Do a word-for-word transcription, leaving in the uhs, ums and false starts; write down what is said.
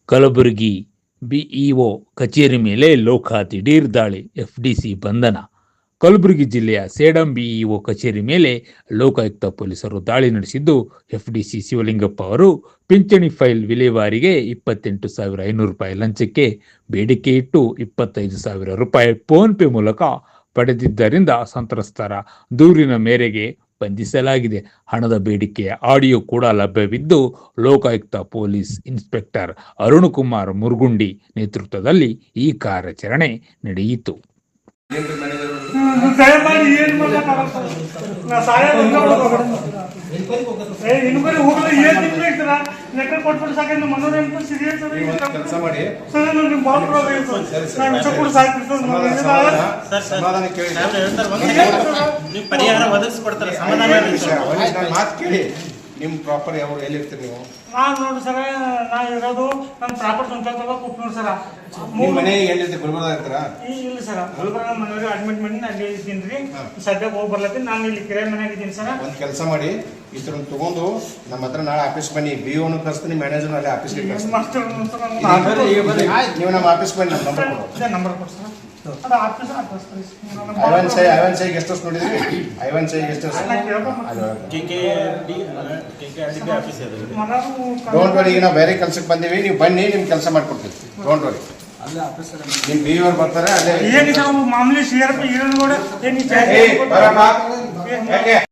Kalaburagi BEO ಕಚೇರಿ ಮೇಲೆ ಲೋಕ ದಿಢೀರ್ ದಾಳಿ, ಎಫ್ಡಿಸಿ ಬಂಧನ. ಕಲಬುರಗಿ ಜಿಲ್ಲೆಯ ಸೇಡಂ ಬಿಇಒ ಕಚೇರಿ ಮೇಲೆ ಲೋಕಾಯುಕ್ತ ಪೊಲೀಸರು ದಾಳಿ ನಡೆಸಿದ್ದು, ಎಫ್ಡಿಸಿ ಶಿವಲಿಂಗಪ್ಪ ಅವರು ಪಿಂಚಣಿ ಫೈಲ್ ವಿಲೇವಾರಿಗೆ ಇಪ್ಪತ್ತೆಂಟು ಸಾವಿರ ಐನೂರು ರೂಪಾಯಿ ಲಂಚಕ್ಕೆ ಬೇಡಿಕೆ ಇಟ್ಟು ಇಪ್ಪತ್ತೈದು ಸಾವಿರ ರೂಪಾಯಿ ಫೋನ್ ಪೇ ಮೂಲಕ ಪಡೆದಿದ್ದರಿಂದ ಸಂತ್ರಸ್ತರ ದೂರಿನ ಮೇರೆಗೆ ಬಂಧಿಸಲಾಗಿದೆ. ಹಣದ ಬೇಡಿಕೆಯ ಆಡಿಯೋ ಕೂಡ ಲಭ್ಯವಿದ್ದು, ಲೋಕಾಯುಕ್ತ ಪೊಲೀಸ್ ಇನ್ಸ್ಪೆಕ್ಟರ್ ಅರುಣ್ ಕುಮಾರ್ ಮುರುಗುಂಡಿ ನೇತೃತ್ವದಲ್ಲಿ ಈ ಕಾರ್ಯಾಚರಣೆ ನಡೆಯಿತು. ನಿಮ್ಮ ಪ್ರಾಪರ್ ಯಾವ ಎಲ್ಲಿ ಇರ್ತೀರಿ ನೀವು? ನಾನು ನೋಡಿ ಸರ, ನಾ ಇರೋದು ನನ್ನ ಪ್ರಾಪರ್ ಸ್ವಂತ ಕುಪ್ನೂರು ಸರ. ನಿಮ್ಮ ಮನೆ ಎಲ್ಲಿರ್ತೀರಿ? ಗುಲ್ಬರ್ಗ ಇರ್ತೀರಾ? ಇಲ್ಲ ಸರ, ಗುಲ್ಬರ್ಗ ಮನೆಯವ್ರಿಗೆ ಅಡ್ಮಿಟ್ ಮಾಡಿ ಅಲ್ಲಿ ಇದ್ದೀನಿ ರೀ. ಸದ್ಯಕ್ಕೆ ಹೋಗಿ ಬರ್ಲತ್ತೀನಿ. ನಾನು ಇಲ್ಲಿ ಕಿರಾಯ ಮನೆಯಾಗ ಇದ್ದೀನಿ ಸರ. ಒಂದು ಕೆಲಸ ಮಾಡಿ, ಇದ್ರನ್ನ ತಗೊಂಡು ನಮ್ಮ ಹತ್ರ ನಾಳೆ ಆಫೀಸ್ ಬನ್ನಿ. ಬಿ ಓನು ಕಳಿಸ್ತೀನಿ, ಮ್ಯಾನೇಜರ್ ಅಲ್ಲೇ ಆಫೀಸ್ಗೆ ಕಳಿಸ್ತೀನಿ. ನೀವು ನಮ್ಮ ಆಫೀಸ್ ಬನ್ನಿ, ನಮ್ಮ ನಂಬರ್ ಕೊಡು. ನಂಬರ್ ಕೊಡು ಸರ್. ಐವನ್ ಸೈ ಐವನ್ ಸೈ ಗೆಸ್ಟ್ ಹೌಸ್ ನೋಡಿದ್ರಿ? ಐವನ್ ಸೈ ಗೆಸ್ಟ್ ಹೌಸ್ ಡೋಂಟ್ ವರಿ. ಈಗ ನಾವು ಬೇರೆ ಕೆಲ್ಸಕ್ಕೆ ಬಂದೀವಿ, ನೀವು ಬನ್ನಿ, ನಿಮ್ ಕೆಲಸ ಮಾಡ್ಕೊಡ್ತೀವಿ. Don't worry. ನಿಮ್ ಬಿ ಅವ್ರು ಬರ್ತಾರೆ. ಅಲ್ಲೇ ಮಾಮೂಲಿ ಸಿ ಆರ್ ಪಿ